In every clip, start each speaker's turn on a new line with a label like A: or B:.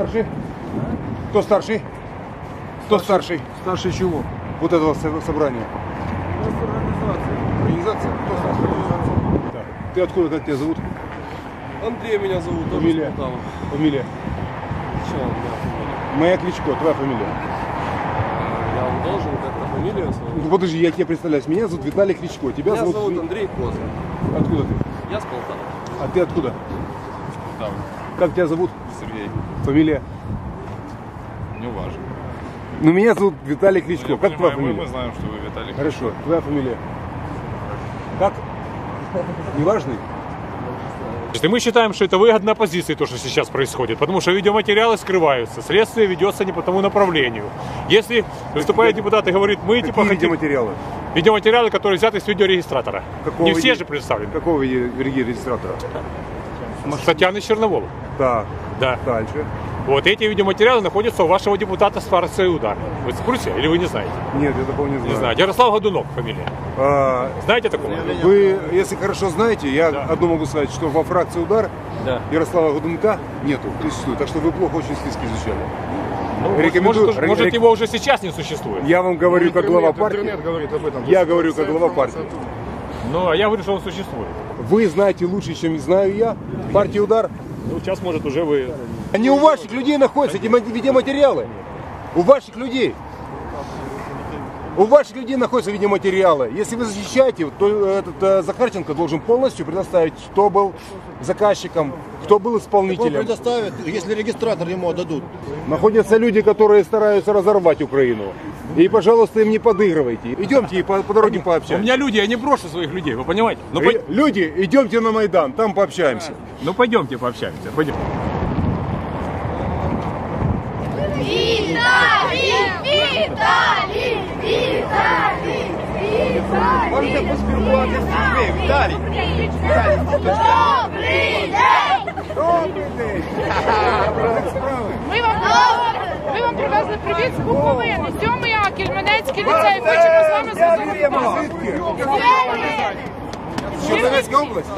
A: старший? Кто старший? Кто старший?
B: Старший чего?
A: Вот этого собрания. Организация? Кто старший? Да. Ты откуда, как тебя зовут?
B: Андрей меня зовут.
A: Фамилия? Фамилия?
B: Что,
A: Моя Кличко, твоя фамилия?
B: я вам должен как-то фамилию свою?
A: Ну, подожди, я тебе представляюсь. Меня зовут Виталий Кличко. Тебя
B: Меня
A: зовут
B: Андрей Коза.
A: Откуда ты?
B: Я с Полтавы.
A: А ты откуда?
C: Там,
A: Как тебя зовут?
C: Сергей,
A: Фамилия?
C: не важно.
A: Ну, меня зовут Виталий Кличко. Как твоя
C: мы
A: фамилия?
C: знаем, что вы Виталий.
A: Хорошо. Твоя фамилия? Как? Неважный?
D: И мы считаем, что это выгодно оппозиции, то, что сейчас происходит, потому что видеоматериалы скрываются, следствие ведется не по тому направлению. Если выступает депутат и говорит, мы типа
A: Какие
D: хотим...
A: видеоматериалы?
D: Видеоматериалы, которые взяты с видеорегистратора. Не все же представлены.
A: Какого регистратора?
D: Татьяны Черновол.
A: Так.
D: Да.
A: Дальше.
D: Вот эти видеоматериалы находятся у вашего депутата с фракцией «Удар». Вы в курсе или вы не знаете?
A: Нет, я такого не знаю.
D: Не знаю. Ярослав Годунок фамилия. Знаете такого?
A: Вы, если хорошо знаете, я одно могу сказать, что во фракции «Удар»
D: Да.
A: Ярослава Годунка нету, присутствует. Так что вы плохо очень списки изучали.
D: Ну,
A: Рекомендую-
D: может, его уже сейчас не существует.
A: Я вам говорю как глава партии.
B: Интернет говорит об этом.
A: Я говорю как глава партии.
D: Ну, а я говорю, что он существует.
A: Вы знаете лучше, чем знаю я. Партия «Удар».
D: Ну, сейчас, может, уже вы...
A: Они у ваших людей находятся, эти видеоматериалы. У ваших людей. У ваших людей находятся видеоматериалы. Если вы защищаете, то этот Захарченко должен полностью предоставить, кто был заказчиком, кто был
E: Он
A: исполнителем.
E: предоставит, если регистратор ему отдадут.
A: Находятся люди, которые стараются разорвать Украину. И, пожалуйста, им не подыгрывайте. Идемте и по дороге
D: У
A: пообщаемся.
D: меня люди, я не брошу своих людей, вы понимаете? Ну,
A: Люди, идемте на Майдан, там пообщаемся.
D: ну пойдемте пообщаемся, пойдем.
F: Віталій! Віталій! Віталій! Віталій!
E: Можете поспілкуватися з людьми, Віталій.
F: Добрий день!
A: Добрий день!
G: Ми вам привезли привіт з Буковини. 7-й А, Кельменецький ліцей. Хочемо з вами зв'язатися.
A: Що, Донецька область?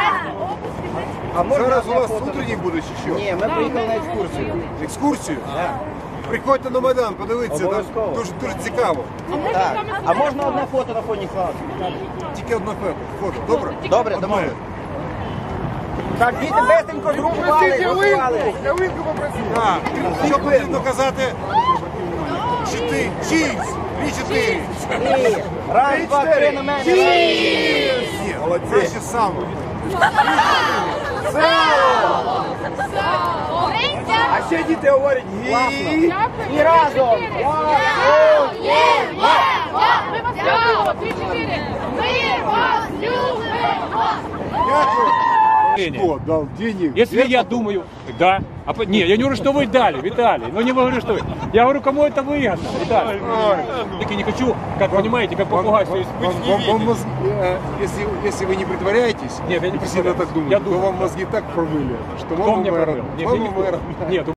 A: Зараз у вас утренній буде чи що?
E: Ні, ми приїхали на екскурсію.
A: Екскурсію? Приходьте на Майдан, подивіться, там дуже цікаво.
E: Так. А можна одне фото на фоні хати?
A: Тільки одне фото. Добре?
E: Добре, домовились. Так, діти бесенько зрубували.
A: Так, що потрібно казати? 4.
E: Раз, два, три на мене.
A: Ні, краще саме.
E: А ще діти говорять гі. І разом.
G: Ми вас любимо, 3-4.
F: Ми вас любимо!
A: Кто дал денег?
D: Если я думаю, да. Не, я не говорю, что вы дали, Виталий. Ну не говорю, что вы. Я говорю, кому это выгодно, Виталий. Я не хочу, как понимаете, как попугай.
A: Если вы не притворяетесь,
D: Нет, я не
A: и сильно
D: притворяюсь.
A: так думаете,
D: Я
A: то
D: думаю,
A: вам
D: да.
A: мозги так промыли, что
D: Кто
A: мама
D: мне
A: мэра.
D: промыл? Нет,
A: Мама
D: я не-
A: мэра.
D: Нет,